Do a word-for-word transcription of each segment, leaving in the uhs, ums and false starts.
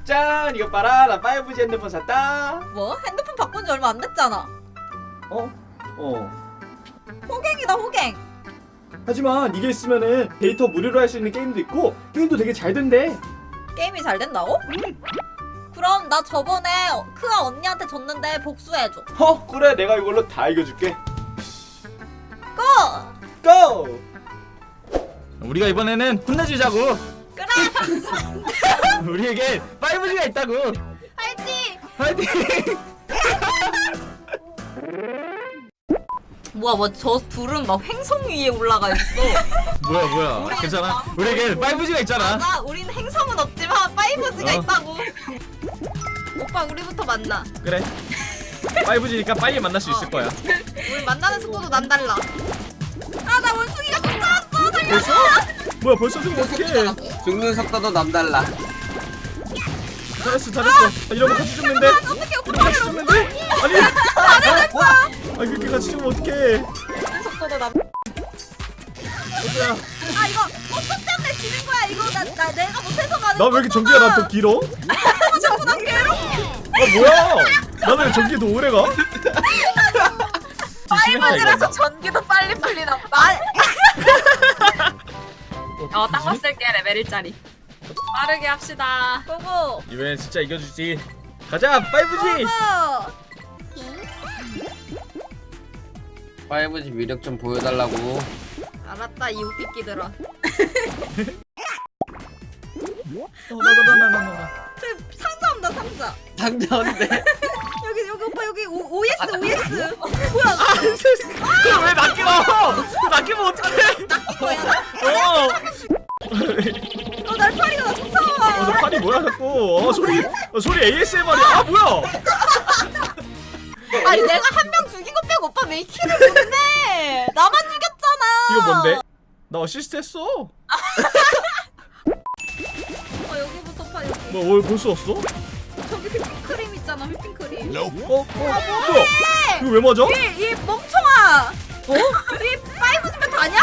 짠! 이거 봐라, 나 파이브지 핸드폰 샀다. 뭐? 핸드폰 바꾼 지 얼마 안 됐잖아. 어? 어. 호갱이다 호갱. 하지만 이게 있으면은 데이터 무료로 할 수 있는 게임도 있고 게임도 되게 잘 된대. 게임이 잘 된다고? 그럼 나 저번에 크아 언니한테 줬는데 복수해줘. 어? 그래, 내가 이걸로 다 이겨줄게. 고! 고! 우리가 이번에는 혼내주자고. 그래! 우리에게 파이브지가 있다고. 화이팅! 파이팅! 뭐야 뭐 저 둘은 막 횡성 위에 올라가 있어. 뭐야 뭐야. 우리- 괜찮아. 우리에게 파이브지가 있잖아. 나 우린 행성은 없지만 파이브지가 어. 있다고. 오빠 우리부터 만나. 그래. 파이브지니까 빨리 만날 수 있을 거야. 우리 만나는 속도도 남달라. 아 나 원숭이가 쫓아왔어. 살려줘. 벌써? 뭐야 벌써 좀 어떡해. 죽는 속도도 남달라. 잘했어 잘했어. 아, 이러면 같이 죽는데. 어떻게 이러면 오빠 같이 죽는데. 아니. 잘했어. 아 그렇게 같이 죽으면 어떡해. 속도도 남. 얘들아. 아 이거 오빠 때문에 지는 거야. 이거 나, 나 내가 못해서 가는 나 왜 이렇게 전기가 나 더 길어? 자꾸 나 괴롭. 아 뭐야? 나는 왜 전기가 더 오래 가? 파이브지라서 전기도 빨리 풀리나 보다. 어, 딱 봤을 게 레벨 일짜리. 빠르게 합시다. 고고. 이번엔 진짜 이겨주지. 가자 파이브지. 고고. 파이브지 위력 좀 보여달라고. 알았다 이 웃기끼들아. 나나나나나나. 저기 상자 온다 상자. 상자인데. 여기 여기 오빠 여기 오, 오에스 오에스. 뭐야? 그럼 왜 낚이워? 낚이면 어떡해? 뭐야? 어. 어 날파리가 나 어, 너 쫓아와. 팔이 뭐야 자꾸? 어, 소리, 어, 소리 에이에스엠알이야. 아 뭐야? 아니 내가 한 명 죽인 거 빼고 오빠 왜 키를 못내? 나만 죽였잖아. 이거 뭔데? 나 어시스트 했어. 어 여기부터 파 여기. 뭐뭘 볼 수 없어? 저기 휘핑크림 있잖아 휘핑크림. 어? 어? 뭐야? 이거 왜 맞아? 이, 이 멍청아. 어? 이 파이브즈면 다냐?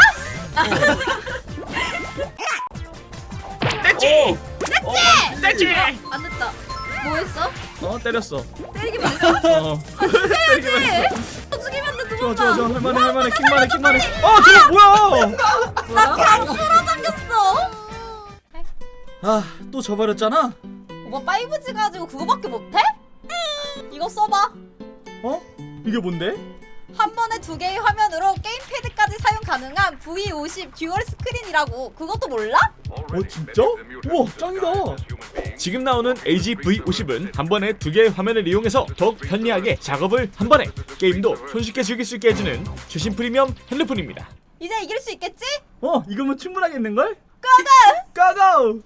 떼찌! 냈지? 떼찌! 안 됐다. 뭐 했어? 어 때렸어. 때리기만 했어? 어. 때리기만 했어. 네. 또 죽이면 돼 두 좋아 번만. 좋아 좋아 할만해 할만해 킥만해 킥만해. 아 저거 뭐야? 나 강수로 당겼어. 아 또 져버렸잖아. 오빠 파이브지 가지고 그거밖에 못해? 이거 써봐. 어? 이게 뭔데? 한 번에 두 개의 화면으로 게임패드까지 사용 가능한 브이 오십 듀얼 스크린이라고. 그것도 몰라? 어 진짜? 우와 짱이다. 지금 나오는 에이지 브이 오십은 한 번에 두 개의 화면을 이용해서 더욱 편리하게 작업을 한 번에 게임도 손쉽게 즐길 수 있게 해주는 최신 프리미엄 핸드폰입니다. 이제 이길 수 있겠지? 어 이거면 충분하겠는걸? 고고! 고고!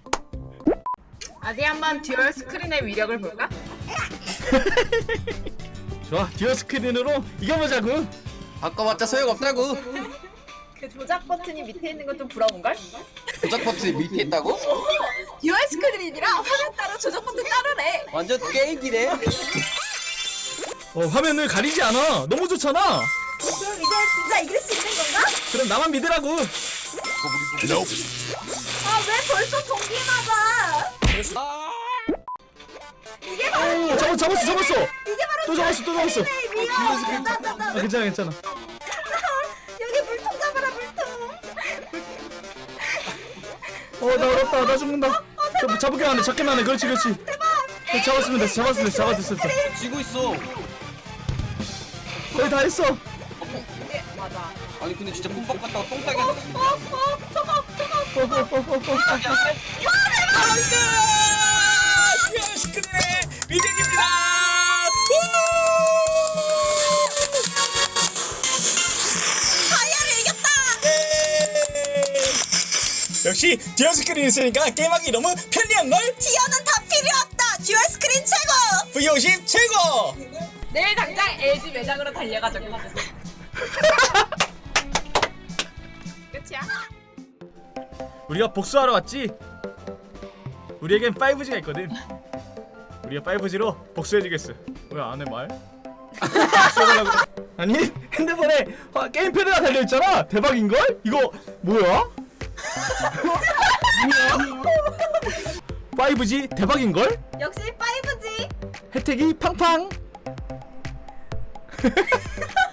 어디 한번 듀얼 스크린의 위력을 볼까? 좋아 듀얼 스크린으로 이겨보자고. 바꿔봤자 소용없다고. 그 조작 버튼이 밑에 있는 건 좀 부러운걸? 조작 버튼이 밑에 있다고? 듀얼 스크린이라 화면 따로 조작 버튼 따로래. 완전 게임기네. 어 화면을 가리지 않아. 너무 좋잖아. 그럼 이제 진짜 이길 수 있는 건가? 그럼 나만 믿으라고. 아 왜 벌써 전기 맞아? 이게 바로 오 잡았어 잡았어 잡았어. 이게 바로 또 잡았어 또 잡았어. 미안. 나나나 아 괜찮아 괜찮아. 여기 물통 잡아라 물통. 어나 어렵다 나 죽는다. 잡, 잡을게 안해 잡기만 해. 그렇지 그렇지. 어, 잡았으면 됐어 잡았으면 됐어 잡았어 됐어. 쥐고 있어. 거의 다 했어. 네, 맞아. 아니 근데 진짜 뿜뻑 갔다가 똥 싸게 하는 거. 어 저거 저거. 스크린의 위력입니다. 다이아를 이겼다. 역시 듀얼 스크린 있으니까 게임하기 너무 편리한걸? 티어는 다 필요 없다. 듀얼 스크린 최고. 브이 오십 최고! 내일 당장 엘지 매장으로 달려가자고. 끝이야? 우리가 복수하러 왔지? 우리에겐 파이브지가 있거든. 우리가 파이브지로 복수해주겠어. 왜 안 해 말? 복수해달라고. 아니 핸드폰에 화, 게임패드가 달려있잖아. 대박인걸? 이거 뭐야? 뭐야? 파이브지 대박인걸? 역시 파이브지. 혜택이 팡팡.